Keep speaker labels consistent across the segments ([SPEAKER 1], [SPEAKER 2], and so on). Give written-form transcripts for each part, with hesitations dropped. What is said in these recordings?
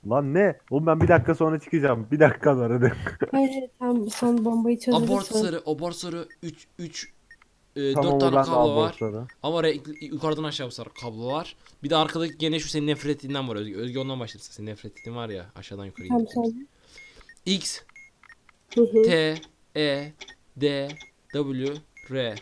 [SPEAKER 1] Lan ne? Oğlum ben bir dakika sonra çıkacağım. Bir dakika var hadi.
[SPEAKER 2] Hayır hayır, tamam, son bombayı çözülür
[SPEAKER 3] Abort
[SPEAKER 2] sonra.
[SPEAKER 3] sarı, abort sarı 3 4
[SPEAKER 1] Tamam o
[SPEAKER 3] tane
[SPEAKER 1] ben de
[SPEAKER 3] kablo var.
[SPEAKER 1] abortları.
[SPEAKER 3] Ama renkli, yukarıdan aşağı sarı kablo var. Bir de arkadaki gene şu senin nefret ettiğinden var Özge. Özge ondan başlarsın. Senin nefret ettiğin var ya aşağıdan yukarı
[SPEAKER 2] Tamam
[SPEAKER 3] gittiğimiz.
[SPEAKER 2] söyle.
[SPEAKER 3] X,
[SPEAKER 2] Hı hı.
[SPEAKER 3] T, E, D, W, R,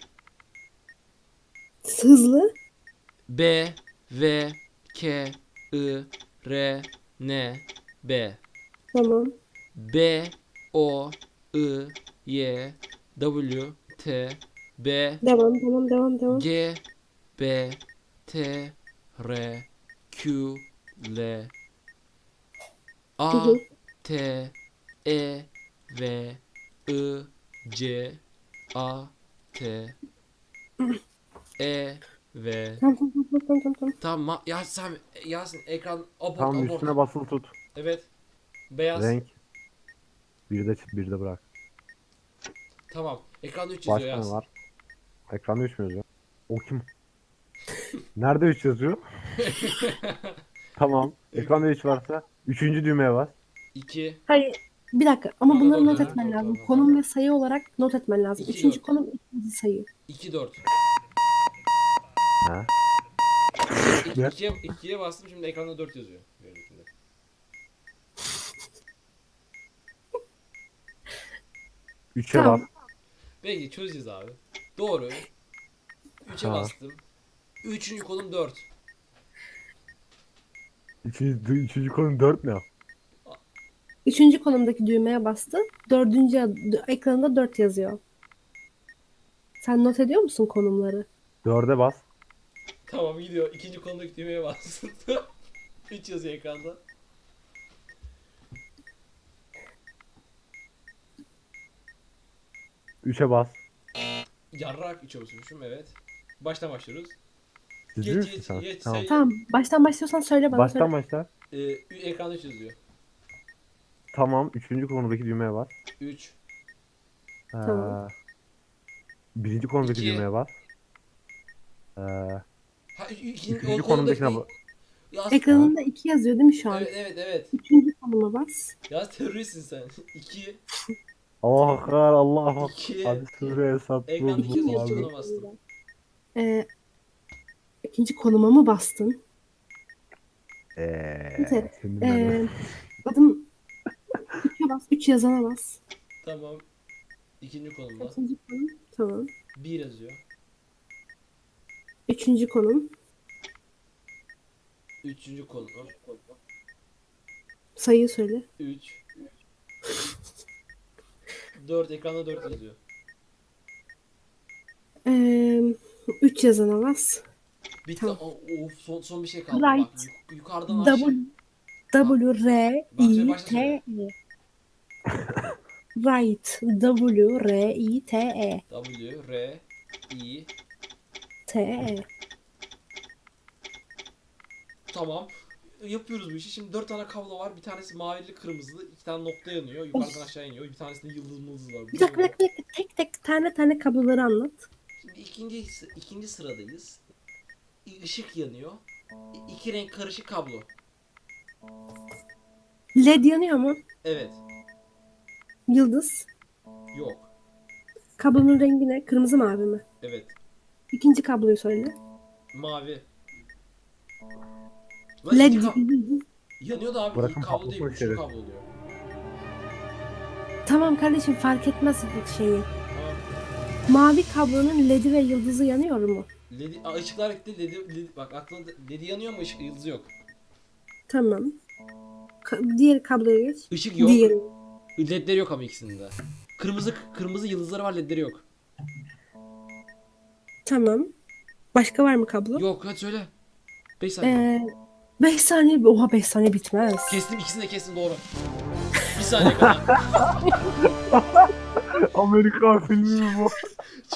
[SPEAKER 2] Hızlı.
[SPEAKER 3] B, V, K, I, R, N, B,
[SPEAKER 2] Tamam.
[SPEAKER 3] B, O, I, Y, W, T, B,
[SPEAKER 2] Devam.
[SPEAKER 3] G, B, T, R, Q, L,
[SPEAKER 2] Hı
[SPEAKER 3] A,
[SPEAKER 2] hı.
[SPEAKER 3] T, E, V, I, C, A, T, E, V.
[SPEAKER 2] Tamam.
[SPEAKER 3] Tamam Yasin ekran abort
[SPEAKER 1] Tamam
[SPEAKER 3] abort.
[SPEAKER 1] üstüne basılı tut.
[SPEAKER 3] Evet. Beyaz.
[SPEAKER 1] Renk. Bir de bırak.
[SPEAKER 3] Tamam. Ekranda 3 yazıyor
[SPEAKER 1] Başka ne
[SPEAKER 3] Yasin.
[SPEAKER 1] var? Ekranda 3 mü yazıyor? O kim? Nerede 3 yazıyor? Tamam. Ekranda 3 varsa üçüncü düğmeye bas.
[SPEAKER 3] 2.
[SPEAKER 2] Hayır. Bir dakika ama
[SPEAKER 3] Tamam
[SPEAKER 2] bunları
[SPEAKER 3] doğru
[SPEAKER 2] not
[SPEAKER 3] doğru
[SPEAKER 2] etmen
[SPEAKER 3] doğru
[SPEAKER 2] lazım.
[SPEAKER 3] tamam
[SPEAKER 2] Konum
[SPEAKER 3] tamam.
[SPEAKER 2] ve sayı olarak not etmen lazım.
[SPEAKER 3] 2
[SPEAKER 2] Üçüncü
[SPEAKER 3] 4.
[SPEAKER 2] konum, ikinci sayı.
[SPEAKER 3] 2 4.
[SPEAKER 1] Ha?
[SPEAKER 3] Evet
[SPEAKER 1] Ne?
[SPEAKER 3] 2'ye bastım şimdi ekranda 4 yazıyor. Gördüğünüzde.
[SPEAKER 1] 3'e bas.
[SPEAKER 2] Tamam.
[SPEAKER 3] Peki çözeceğiz abi. Doğru. 3'e
[SPEAKER 1] Ha.
[SPEAKER 3] bastım. Üçüncü kolum 4.
[SPEAKER 1] Üçüncü konu 4 ne?
[SPEAKER 2] Üçüncü konumdaki düğmeye bastı. Ekranında 4 yazıyor. Sen not ediyor musun konumları?
[SPEAKER 1] 4'e bas.
[SPEAKER 3] Tamam gidiyor. İkinci kolumdaki düğmeye bastım. 3 yazıyor ekranda.
[SPEAKER 1] Üçe bas.
[SPEAKER 3] Yarrak 3'e basıyormuşum evet. Baştan başlıyoruz.
[SPEAKER 1] Ciddi
[SPEAKER 3] Geç
[SPEAKER 1] misin
[SPEAKER 3] geç
[SPEAKER 1] sen?
[SPEAKER 3] geç
[SPEAKER 1] Tamam.
[SPEAKER 3] say.
[SPEAKER 2] Tamam. Baştan başlıyorsan söyle bana söyle.
[SPEAKER 1] Baştan başla.
[SPEAKER 3] Ekranda 3 yazıyor.
[SPEAKER 1] Tamam. Üçüncü konudaki düğmeye bas.
[SPEAKER 3] 3.
[SPEAKER 2] Tamam.
[SPEAKER 1] Ee, birinci konudaki
[SPEAKER 3] 2.
[SPEAKER 1] düğmeye bas. Ee,
[SPEAKER 3] Ha o
[SPEAKER 1] üçüncü
[SPEAKER 3] kolumdaki
[SPEAKER 1] konumdakine
[SPEAKER 3] değil.
[SPEAKER 1] bas.
[SPEAKER 3] Yaz.
[SPEAKER 1] Ha?
[SPEAKER 2] Ekranında 2 yazıyor değil mi şu an?
[SPEAKER 3] Evet.
[SPEAKER 2] Üçüncü konuma bas.
[SPEAKER 3] Yaz teröristsin sen. 2.
[SPEAKER 1] Allah akbar, Allah akbar.
[SPEAKER 3] 2.
[SPEAKER 1] Hadi sure hesap
[SPEAKER 3] Ekranda 2 yazıyor. İkinci
[SPEAKER 1] abi.
[SPEAKER 3] koluna bastım.
[SPEAKER 2] Ee, ikinci konuma mı bastın? Neyse.
[SPEAKER 1] Şimdi ben
[SPEAKER 2] Ee, adım 3'e bas. 3 yazana bas.
[SPEAKER 3] Tamam. İkinci kolumda.
[SPEAKER 2] Kaçıncı konum? Tamam.
[SPEAKER 3] 1 yazıyor.
[SPEAKER 2] Üçüncü konum.
[SPEAKER 3] Üçüncü kolumda.
[SPEAKER 2] Sayıyı söyle.
[SPEAKER 3] 3. 4. Ekranda 4 yazıyor.
[SPEAKER 2] Ee, 3 yazana bas.
[SPEAKER 3] Bitti.
[SPEAKER 2] Tamam.
[SPEAKER 3] Of son bir şey kaldı. Bak
[SPEAKER 2] Right.
[SPEAKER 3] yukarıdan aşağı.
[SPEAKER 2] W R
[SPEAKER 3] Bak söyle
[SPEAKER 2] I
[SPEAKER 3] başta
[SPEAKER 2] T
[SPEAKER 3] söyle.
[SPEAKER 2] E. Right. W R I T E.
[SPEAKER 3] W R I
[SPEAKER 2] T E.
[SPEAKER 3] Tamam. Yapıyoruz bu işi. Şimdi 4 tane kablo var. Bir tanesi mavili kırmızılı. 2 tane nokta yanıyor. Yukarıdan aşağı iniyor. Bir tanesinde yıldız mıldız var.
[SPEAKER 2] Bir dakika. Tek tane kabloları anlat.
[SPEAKER 3] Şimdi ikinci sıradayız. Işık yanıyor. İki renk karışık kablo.
[SPEAKER 2] LED yanıyor mu?
[SPEAKER 3] Evet.
[SPEAKER 2] Yıldız.
[SPEAKER 3] Yok.
[SPEAKER 2] Kablonun rengi ne? Kırmızı mavi mi?
[SPEAKER 3] Evet.
[SPEAKER 2] İkinci kabloyu söyle.
[SPEAKER 3] Mavi. Lan
[SPEAKER 2] LED
[SPEAKER 3] iki
[SPEAKER 2] yıldız.
[SPEAKER 3] yanıyor da abi
[SPEAKER 1] bırakın
[SPEAKER 3] kablo değil.
[SPEAKER 1] patlatmak
[SPEAKER 3] Üçlü
[SPEAKER 1] üzere.
[SPEAKER 3] kablo oluyor.
[SPEAKER 2] Tamam kardeşim fark etmez şeyi.
[SPEAKER 3] Tamam.
[SPEAKER 2] Mavi kablonun LED'i ve yıldızı yanıyor mu?
[SPEAKER 3] Işıklar gitti. Bak aklında ledi yanıyor ama ışık yıldızı yok.
[SPEAKER 2] Tamam. Diğer kabloya geç.
[SPEAKER 3] Işık yok.
[SPEAKER 2] Diğer.
[SPEAKER 3] Ledleri yok ama ikisinde. Kırmızı yıldızları var, ledleri yok.
[SPEAKER 2] Tamam. Başka var mı kablo?
[SPEAKER 3] Yok hadi söyle. 5 saniye.
[SPEAKER 2] 5 saniye. Oha 5 saniye bitmez.
[SPEAKER 3] Kestim, ikisini de kestim, doğru. Bir saniye kadar.
[SPEAKER 1] Amerikan filmi mi bu?